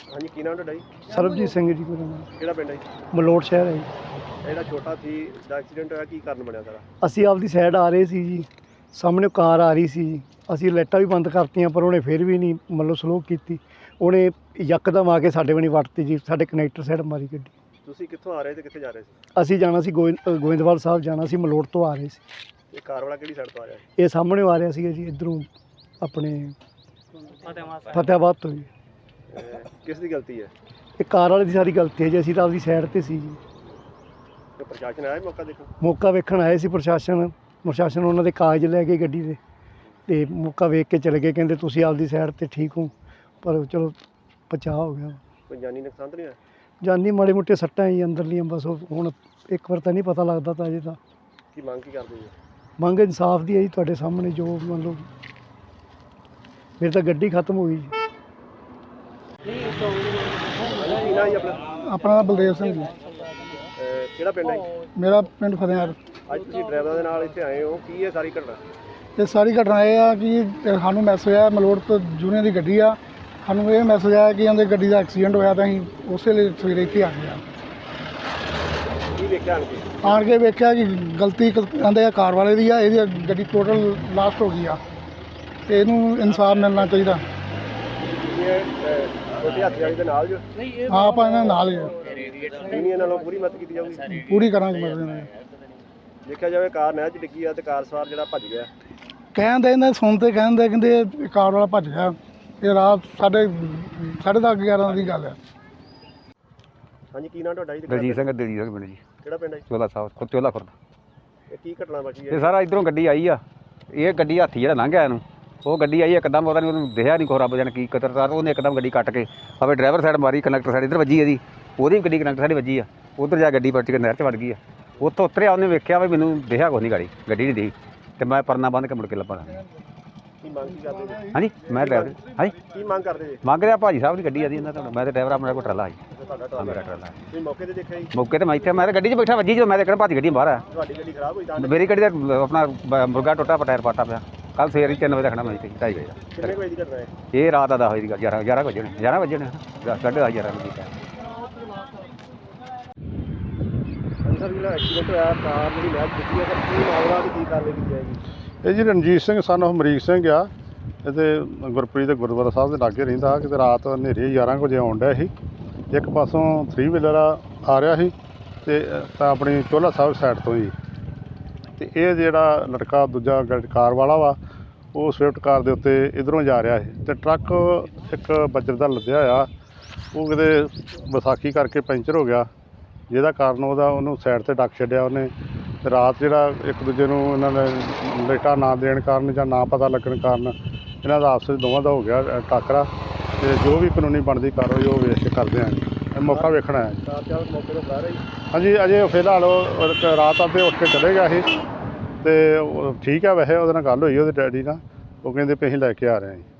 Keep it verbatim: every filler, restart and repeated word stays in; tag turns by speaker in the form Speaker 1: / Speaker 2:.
Speaker 1: हाँ जी, की नाम ਤੁਹਾਡਾ ਜੀ?
Speaker 2: ਸਰਬਜੀਤ ਸਿੰਘ ਜੀ ਮੇਰਾ ਨਾਮ।
Speaker 1: ਕਿਹੜਾ ਪਿੰਡ ਹੈ ਜੀ?
Speaker 2: ਮਲੋਟ ਸ਼ਹਿਰ ਹੈ ਜੀ।
Speaker 1: ਜਿਹੜਾ ਛੋਟਾ ਸੀ ਦਾ ਐਕਸੀਡੈਂਟ ਹੋਇਆ, ਕੀ ਕਾਰਨ ਬਣਿਆ ਸਾਰਾ?
Speaker 2: ਅਸੀਂ ਆਪਦੀ ਸਾਈਡ ਆ ਰਹੇ ਸੀ ਜੀ, ਸਾਹਮਣੇ ਕਾਰ ਆ ਰਹੀ ਸੀ ਜੀ। ਅਸੀਂ ਲਾਈਟਾਂ ਵੀ ਬੰਦ ਕਰਤੀਆਂ ਪਰ ਉਹਨੇ ਫਿਰ ਵੀ ਨਹੀਂ ਮਤਲਬ ਸਲੋ ਕੀਤੀ। ਉਹਨੇ ਯਕਦਮ ਆ ਕੇ ਸਾਡੇ ਬਣੀ ਵੱਟਤੀ ਜੀ, ਸਾਡੇ ਕਨੈਕਟਰ ਸਾਈਡ ਮਾਰੀ ਗੱਡੀ।
Speaker 1: ਤੁਸੀਂ ਕਿੱਥੋਂ ਆ ਰਹੇ ਤੇ ਕਿੱਥੇ ਜਾ ਰਹੇ ਸੀ?
Speaker 2: ਅਸੀਂ ਜਾਣਾ ਸੀ ਗੋਇੰ ਅ, ਗੋਇੰਦਵਾਲ ਸਾਹਿਬ ਜਾਣਾ ਸੀ, ਮਲੋਟ ਤੋਂ ਆ ਰਹੇ ਸੀ।
Speaker 1: ਇਹ ਕਾਰ ਵਾਲਾ ਕਿਹੜੀ ਸਾਈਡ ਤੋਂ ਆ ਰਿਹਾ ਸੀ?
Speaker 2: ਇਹ ਸਾਹਮਣੇ ਆ ਰਿਹਾ ਸੀਗਾ ਜੀ, ਇੱਧਰੋਂ ਆਪਣੇ ਫਤਿਆਬਾਦ ਤੋਂ ਜੀ।
Speaker 1: ਅਹ ਕਿਸ ਦੀ ਗਲਤੀ ਹੈ?
Speaker 2: ਇਹ ਕਾਰ ਵਾਲੇ ਦੀ ਸਾਰੀ ਗਲਤੀ ਹੈ ਜੀ, ਅਸੀਂ ਤਾਂ ਆਪਦੀ ਸਾਈਡ 'ਤੇ ਸੀ ਜੀ।
Speaker 1: ਤੇ ਪ੍ਰਸ਼ਾਸਨ ਆਇਆ ਮੌਕਾ ਦੇਖਣ?
Speaker 2: ਮੌਕਾ ਵੇਖਣ ਆਏ ਸੀ ਪ੍ਰਸ਼ਾਸਨ। ਪ੍ਰਸ਼ਾਸਨ ਉਹਨਾਂ ਦੇ ਕਾਗਜ਼ ਲੈ ਕੇ ਗੱਡੀ ਦੇ ਤੇ ਮੌਕਾ ਵੇਖ ਕੇ ਚਲੇ ਗਏ, ਕਹਿੰਦੇ ਤੁਸੀਂ ਆਪਦੀ ਸਾਈਡ 'ਤੇ ਠੀਕ ਹੋ। ਪਰ ਚਲੋ ਬਚਾਅ ਹੋ ਗਿਆ।
Speaker 1: ਕੋਈ ਜਾਨੀ ਨੁਕਸਾਨ ਤਾਂ ਨਹੀਂ ਹੋਇਆ?
Speaker 2: ਜਾਨੀ ਮਾੜੇ ਮੋਟੇ ਸੱਟਾਂ ਜੀ ਅੰਦਰਲੀਆਂ, ਬਸ ਉਹ ਹੁਣ ਇੱਕ ਵਾਰ ਤਾਂ ਨਹੀਂ ਪਤਾ ਲੱਗਦਾ ਤਾਂ ਅਜੇ ਤਾਂ।
Speaker 1: ਕੀ ਮੰਗ ਕੀ ਕਰਦੇ ਜੀ?
Speaker 2: ਮੰਗ ਇਨਸਾਫ ਦੀ ਹੈ ਜੀ, ਤੁਹਾਡੇ ਸਾਹਮਣੇ ਜੋ ਮੰਨ ਲਓ ਮੇਰੀ ਤਾਂ ਗੱਡੀ ਖਤਮ ਹੋ ਗਈ ਜੀ।
Speaker 1: ਕੀ ਨਾਮ ਜੀ ਆਪਣਾ?
Speaker 2: ਆਪਣਾ ਨਾਮ ਬਲਦੇਵ ਸਿੰਘ ਜੀ।
Speaker 1: ਅਹ ਕਿਹੜਾ ਪਿੰਡ ਹੈ ਜੀ?
Speaker 2: ਮੇਰਾ ਪਿੰਡ ਫਤਿਆਰ।
Speaker 1: ਅੱਜ ਤੁਸੀਂ ਡਰਾਈਵਰਾਂ ਦੇ ਨਾਲ ਇੱਥੇ ਆਏ ਹੋ, ਕੀ ਹੈ ਸਾਰੀ ਘਟਨਾ?
Speaker 2: ਇਹ ਸਾਰੀ ਘਟਨਾ ਇਹ ਆ ਕਿ ਸਾਨੂੰ ਮੈਸੇਜ ਆਇਆ ਮਲੋਟ ਤੋਂ, ਜੂਨੀਅਰ ਦੀ ਗੱਡੀ ਆ। ਸਾਨੂੰ ਇਹ ਮੈਸੇਜ ਆਇਆ ਕਿ ਉਹਦੇ ਗੱਡੀ ਦਾ ਐਕਸੀਡੈਂਟ ਹੋਇਆ ਤਾਂ ਅਸੀਂ ਉਸੇ ਲਈ ਸਵੇਰੇ ਇੱਥੇ ਆ ਗਏ ਆ।
Speaker 1: ਕੀ ਵੇਖਿਆ ਆਣ ਕੇ?
Speaker 2: ਆਣ ਕੇ ਵੇਖਿਆ ਕਿ ਗਲਤੀ ਕਹਿੰਦੇ ਆ ਕਾਰ ਵਾਲੇ ਦੀ ਆ, ਇਹਦੀ ਗੱਡੀ ਟੋਟਲ ਲਾਸਟ ਹੋ ਗਈ ਆ ਤੇ ਇਹਨੂੰ ਇਨਸਾਫ ਮਿਲਣਾ ਚਾਹੀਦਾ।
Speaker 1: ਤੁਸੀਂ ਇਹ, ਅਹ, ਛੋਟੇ ਹੱਥ ਵਾਲੀ ਦੇ ਨਾਲ ਜੋ
Speaker 2: ਹਾਂ ਆਪਾਂ ਇਹਨਾਂ ਨਾਲ ਹੀ ਆ,
Speaker 1: ਯੂਨੀਅਨ ਨਾਲੋਂ ਪੂਰੀ ਮਦਦ ਕੀਤੀ ਜਾਊਗੀ।
Speaker 2: ਪੂਰੀ ਕਰਾਂਗੇ ਮਦਦ ਨਾਲ।
Speaker 1: ਦੇਖਿਆ ਜਾਵੇ ਕਾਰ ਨਹਿਰ 'ਚ ਡਿੱਗੀ ਆ ਤੇ ਕਾਰ ਸਵਾਰ ਜਿਹੜਾ ਭੱਜ ਗਿਆ।
Speaker 2: ਕਹਿੰਦੇ ਇਹਨਾਂ ਸੁਣਦੇ ਕਹਿੰਦੇ ਕਹਿੰਦੇ ਇਹ ਕਾਰ ਵਾਲਾ ਭੱਜ ਗਿਆ। ਇਹ ਰਾਤ ਸਾਢੇ ਸਾਢੇ ਦਸ ਗਿਆਰਾਂ ਦੀ ਗੱਲ ਆ।
Speaker 1: ਹਾਂਜੀ, ਕੀ ਨਾਮ ਤੁਹਾਡਾ ਜੀ?
Speaker 3: ਦਲਜੀਤ ਸਿੰਘ ਦਲਜੀਤ ਸਿੰਘ ਪਿੰਡ ਜੀ,
Speaker 1: ਕਿਹੜਾ ਪਿੰਡ ਹੈ ਜੀ?
Speaker 3: ਚੋਲਾ ਸਾਹਿਬ ਖੁਦ ਚੋਲਾ ਖੁਰਦ।
Speaker 1: ਇਹ ਕੀ ਘਟਨਾ ਵਾਪਰੀ
Speaker 3: ਇਹ
Speaker 1: ਹੈ?
Speaker 3: ਸਾਰਾ ਇਧਰੋਂ ਗੱਡੀ ਆਈ ਆ, ਇਹ ਗੱਡੀ ਹਾਥੀ ਜਿਹੜਾ ਲੰਘ ਗਿਆ ਇਹਨੂੰ, ਉਹ ਗੱਡੀ ਆਈ ਇੱਕਦਮ, ਉਹਦਾ ਨਹੀਂ ਉਹਨੂੰ ਦਿਖਿਆ ਨਹੀਂ ਖੋ ਰੱਬ ਜਾਣੇ ਕੀ ਕਤਰਦਾਰ, ਉਹਨੇ ਇੱਕਦਮ ਗੱਡੀ ਕੱਟ ਕੇ ਆਵੇ ਡਰਾਈਵਰ ਸਾਈਡ ਮਾਰੀ, ਕੰਡਕਟਰ ਸਾਈਡ ਇੱਧਰ ਵੱਜੀ ਇਹਦੀ, ਉਹਦੀ ਵੀ ਗੱਡੀ ਕੰਡਕਟਰ ਸਾਈਡ ਵੱਜੀ ਆ। ਉੱਧਰ ਜਾ ਗੱਡੀ ਪਲਟ ਕੇ ਨਹਿਰ 'ਚ ਵੜ ਗਈ ਆ। ਉੱਥੋਂ ਉਤਰਿਆ, ਉਹਨੇ ਵੇਖਿਆ ਵੀ ਮੈਨੂੰ ਦਿਖਿਆ ਕੋਈ ਨਹੀਂ ਗਾੜੀ, ਗੱਡੀ ਨਹੀਂ ਦਿਖੀ ਤੇ ਮੈਂ ਪਰਨਾ ਬੰਨ੍ਹ ਕੇ ਮੁੜ ਕੇ ਲੱਭਾ।
Speaker 1: ਕੀ ਮੰਗ ਕੀ ਕਰਦੇ ਜੀ?
Speaker 3: ਹਾਂਜੀ ਮੈਂ ਡਰਾਈਵਰ ਹਾਂਜੀ
Speaker 1: ਕੀ ਮੰਗ ਕਰਦੇ ਜੀ?
Speaker 3: ਮੰਗ ਰਿਹਾ ਭਾਜੀ ਸਾਹਿਬ ਦੀ ਗੱਡੀ ਆਦੀ ਇਹਨਾਂ ਤੋਂ, ਮੈਂ ਤਾਂ ਡਰਾਈਵਰ ਆਪਣਾ ਕੋਲ ਟਰਾਲਾ ਸੀ।
Speaker 1: ਤੁਹਾਡਾ
Speaker 3: ਹਾਂ
Speaker 1: ਟਰਾਲਾ
Speaker 3: ਮੇਰਾ ਟਰਾਲਾ।
Speaker 1: ਤੁਸੀਂ ਮੌਕੇ ਤੇ ਦੇਖਿਆ ਜੀ?
Speaker 3: ਮੌਕੇ ਤੇ ਮੈਂ ਇੱਥੇ, ਮੈਂ ਤਾਂ ਗੱਡੀ 'ਚ ਬੈਠਾ, ਵੱਜੀ ਜਦੋਂ ਮੈਂ ਤਾਂ ਕਿਹੜਾ ਭਾਜੀ ਗੱਡੀ ਬਾਹਰ ਆ।
Speaker 1: ਤੁਹਾਡੀ ਗੱਡੀ ਖਰਾਬ ਹੋਈ ਤਾਂ?
Speaker 3: ਮੇਰੀ ਗੱਡੀ ਦਾ ਆਪਣਾ ਬ- ਮੁਰਗਾ ਟੁੱਟਾ, ਟਾਇਰ ਪਾਟਾ ਪਿਆ। ਕੱਲ੍ਹ ਸਵੇਰੇ ਤਿੰਨ ਵਜੇ ਰੱਖਣਾ ਮੈਂ ਇੱਥੇ ਢਾਈ ਵਜੇ ਦਾ।
Speaker 1: ਕਿੰਨੇ ਕੁ ਵਜੇ ਦੀ ਘਟਨਾ ਹੈ?
Speaker 3: ਇਹ ਰਾਤ ਦਾ ਦਸ ਵਜੇ ਦੀ ਗੱਲ, ਗਿਆਰਾਂ ਗਿਆਰਾਂ ਵਜੇ ਨੇ, ਗਿਆਰਾਂ ਵਜੇ ਨੇ, ਦਸ ਸਾਢੇ ਦਸ ਗਿਆਰਾਂ ਵਜੇ ਦੀ ਗੱਲ।
Speaker 1: ਹਾਂਜੀ ਸਰ, ਜਿਹੜਾ ਐਕਸੀਡੈਂਟ ਹੋਇਆ ਕਾਰ ਜਿਹੜੀ ਨਹਿਰ 'ਚ ਡਿੱਗੀ ਹੈ, ਸਰ ਕੀ ਮਾਮਲਾ ਤੇ ਕੀ ਕਾਰਵਾਈ ਕੀਤੀ ਜਾਏਗੀ?
Speaker 4: ਇਹ ਜੀ ਰਣਜੀਤ ਸਿੰਘ ਸਨ ਉਹ ਅਮਰੀਕ ਸਿੰਘ ਆ। ਇਹਦੇ ਗੁਰਪ੍ਰੀਤ ਦੇ ਗੁਰਦੁਆਰਾ ਸਾਹਿਬ ਦੇ ਲਾਗੇ ਰਹਿੰਦਾ। ਕਿਤੇ ਰਾਤ ਹਨੇਰੇ ਗਿਆਰਾਂ ਕੁ ਵਜੇ ਆਉਣ ਡਿਆ ਸੀ। ਇੱਕ ਪਾਸੋਂ ਥਰੀ ਵੀਲਰ ਆ ਰਿਹਾ ਸੀ ਤੇ ਤਾਂ ਆਪਣੀ ਚੋਲਾ ਸਾਹਿਬ ਸਾਈਡ ਤੋਂ ਹੀ। ਤੇ ਇਹ ਜਿਹੜਾ ਲੜਕਾ ਦੂਜਾ ਗ- ਕਾਰ ਵਾਲਾ ਵਾ, ਉਹ ਸਵਿਫਟ ਕਾਰ ਦੇ ਉੱਤੇ ਇੱਧਰੋਂ ਜਾ ਰਿਹਾ ਸੀ ਤੇ ਟਰੱਕ ਇੱਕ ਬੱਜਰ ਦਾ ਲੱਦਿਆ ਹੋਇਆ, ਉਹ ਕਿਤੇ ਵਿਸਾਖੀ ਕਰਕੇ ਪੈਂਚਰ ਹੋ ਗਿਆ, ਜਿਹਦਾ ਕਾਰਨ ਉਹਦਾ ਉਹਨੂੰ ਸਾਈਡ 'ਤੇ ਡੱਕ ਛੱਡਿਆ ਉਹਨੇ। ਤੇ ਰਾਤ ਜਿਹੜਾ ਇੱਕ ਦੂਜੇ ਨੂੰ ਇਹਨਾਂ ਨੇ ਲਾਈਟਾਂ ਨਾ ਦੇਣ ਕਾਰਨ ਜਾਂ ਨਾ ਪਤਾ ਲੱਗਣ ਕਾਰਨ ਇਹਨਾਂ ਦਾ ਆਪਸ ਵਿੱਚ ਦੋਵਾਂ ਦਾ ਹੋ ਗਿਆ ਅ, ਟਾਕਰਾ। ਤੇ ਜੋ ਵੀ ਕਾਨੂੰਨੀ ਬਣਦੀ ਕਾਰਵਾਈ ਉਹ ਵੇਖ ਕੇ ਕਰਦੇ ਹਾਂ। ਇਹ ਮੌਕਾ ਵੇਖਣਾ ਹੈ।
Speaker 1: ਕਾਰ ਚਾਲਕ ਮੌਕੇ ਤੋਂ ਫਰਾਰ ਹੈ ਜੀ?
Speaker 4: ਹਾਂਜੀ ਅਜੇ ਫਿਲਹਾਲ ਉਹ ਇੱਕ ਰਾਤ ਆਪੇ ਉੱਠ ਕੇ ਚਲੇ ਗਿਆ ਸੀ ਤੇ ਉਹ ਠੀਕ ਆ। ਵੈਸੇ ਉਹਦੇ ਨਾਲ ਗੱਲ ਹੋਈ ਉਹਦੇ ਡੈਡੀ ਨਾਲ, ਉਹ ਕਹਿੰਦੇ ਵੀ ਅਸੀਂ ਲੈ ਕੇ ਆ ਰਹੇ ਹਾਂ ਜੀ।